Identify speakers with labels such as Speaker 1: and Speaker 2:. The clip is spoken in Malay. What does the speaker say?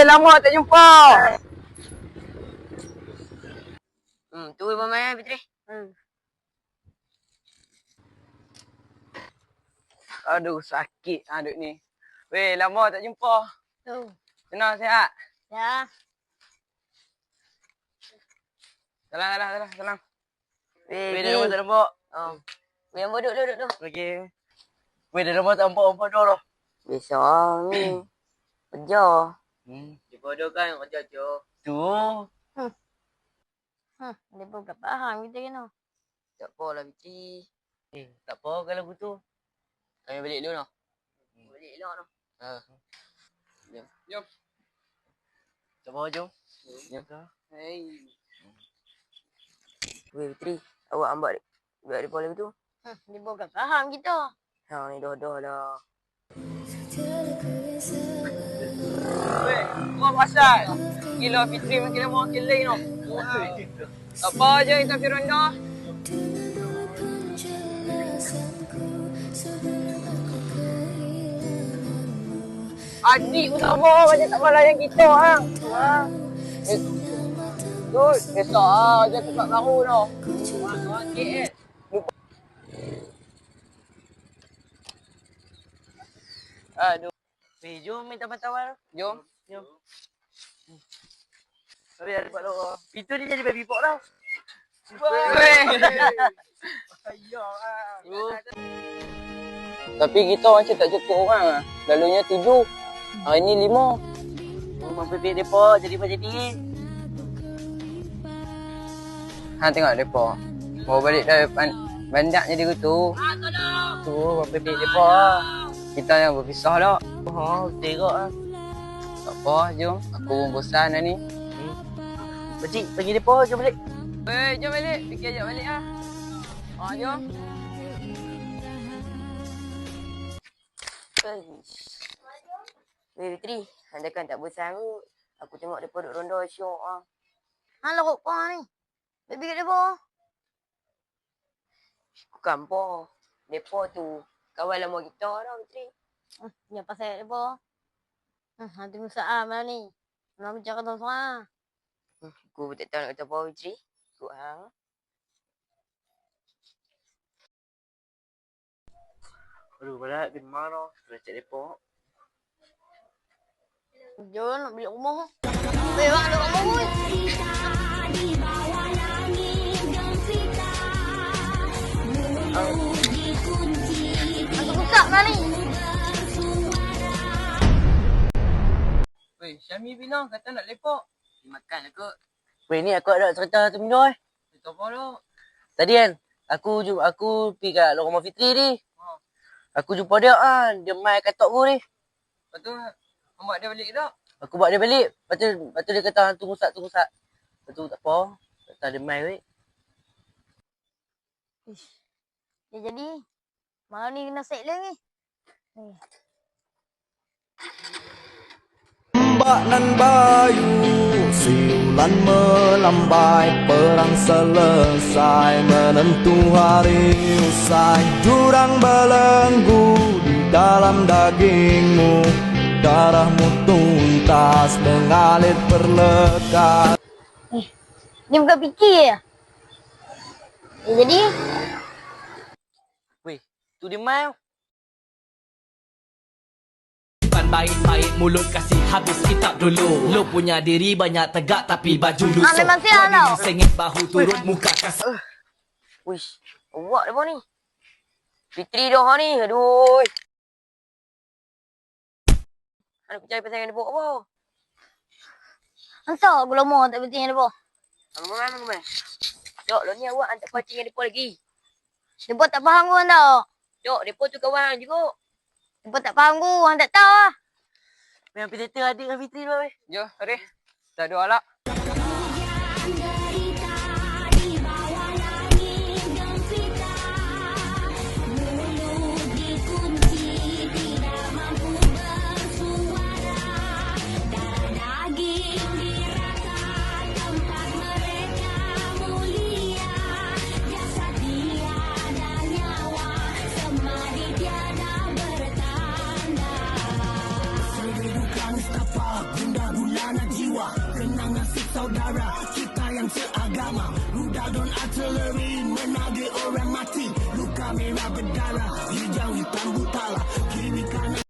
Speaker 1: lama tak jumpa.
Speaker 2: Tu Abang Fitri.
Speaker 1: Aduh, sakit aduk ni. Weh, lama tak jumpa. Senang sihat?
Speaker 2: Ya.
Speaker 1: Salam. Weh, dah
Speaker 2: Pergi.
Speaker 1: lama tak nampak.
Speaker 2: Weh, Abang duduk.
Speaker 1: Okey. Weh, dah lama tak nampak dah.
Speaker 2: Biasa ni. Kerja.
Speaker 1: Jumpa dah kan kerja je. Tu.
Speaker 2: Dia pun tak faham kita kena. Tak apalah Fitri.
Speaker 1: Tak apa kalau begitu.
Speaker 2: Kami balik dulu noh. Balik elok noh.
Speaker 1: Jom. Tak apa, jom.
Speaker 2: Jom.
Speaker 1: Hei.
Speaker 2: Weh Fitri, awak ambak dia boleh betul? Dia pun tak faham kita. Ni dah lah.
Speaker 1: Weh, kau pasal. Gila Fitri makin lama makin lain tau. Tak apa je kita pergi ronda. Adik utama macam tak malah yang kita ah. Tu, esok je tempat baru tau. Okey. Aduh.
Speaker 2: Weh, jom minta tawar.
Speaker 1: Jom.
Speaker 2: Tapi ada tempat luar. Itu dia jadi baby pok tau.
Speaker 1: Weh. Tapi kita macam tak cukup orang lah. Lalunya 7. Hari ni 5.
Speaker 2: Memang pipik depa jadi macam ni.
Speaker 1: Ha, tengok depa. Mau balik dah bandak jadi gitu.
Speaker 2: Tu, memang pipik depa.
Speaker 1: Kita yang berpisah dah.
Speaker 2: Teruk lah.
Speaker 1: Tak apa, jom. Aku pun bosan dah ni.
Speaker 2: Pakcik, panggil depa, jom balik.
Speaker 1: Weh, jom balik. Fikir ajak balik lah. Jom.
Speaker 2: Weh Fitri, anda kan tak bosan kot. Aku tengok depa duduk ronda syok ah. Hang lorok pa ni. Baby kat depa. Bukan pa. Depa tu kawan lama kita dah Fitri. Yang pasal depa. Hantu Musa malam ni. Malam bicara kata seorang. Aku tak tahu nak kata apa Fitri. Ikut hang.
Speaker 1: Aduh, barat di mana? Sudah cek depa.
Speaker 2: Jom nak beli rumah. Weh, bang ada rumah pun. Aku buka malam ni.
Speaker 1: Weh, Syami bilang kata nak lepak.
Speaker 2: Makan lah kot.
Speaker 1: Weh, ni aku ada cerita satu benda
Speaker 2: Tak apa dah.
Speaker 1: Tadi kan, aku pergi kat rumah Fitri ni. Aku jumpa dia kan, dia main katok aku ni.
Speaker 2: Lepas tu, mak dia balik tak?
Speaker 1: Aku bawa dia balik. Lepas tu dia kata tunggu sat. Lepas tu tak apa. Kata dia main weh.
Speaker 2: Ya jadi, malam ni kena set lagi.
Speaker 3: Mbak nan Bayu, siulan melambai, perang selesai, menentu hari usai, jurang belenggu di dalam dagingmu, darahmu tuntas mengalir perlekas.
Speaker 2: Dia bukan fikir ya? Jadi?
Speaker 1: Weh, tu dia main.
Speaker 4: Baik-baik mulut kasih habis kitab dulu. Lu punya diri banyak tegak tapi baju lusuh.
Speaker 2: Memang sial tau.
Speaker 4: Sengit bahu turun muka kasih.
Speaker 2: Wish, awak dah ni. Fitri dah ni, aduh. Aku percaya pasal yang dia buat apa? Entah aku lama tak penting yang dia buat. Aku main. Dok, lo ni awak hantar pacing yang dia buat lagi. Dia buat tak faham kau tau. Dok, dia pun tu kawan juga. Dia tak faham ku, hang tak tahu lah.
Speaker 1: Memang Peter adik dengan Fitri dulu weh. Jom, mari. Dah dua lah.
Speaker 5: agama. Rudal dan artileri menagih orang mati. Luka merah berdarah, hijau hitam butala. Kiri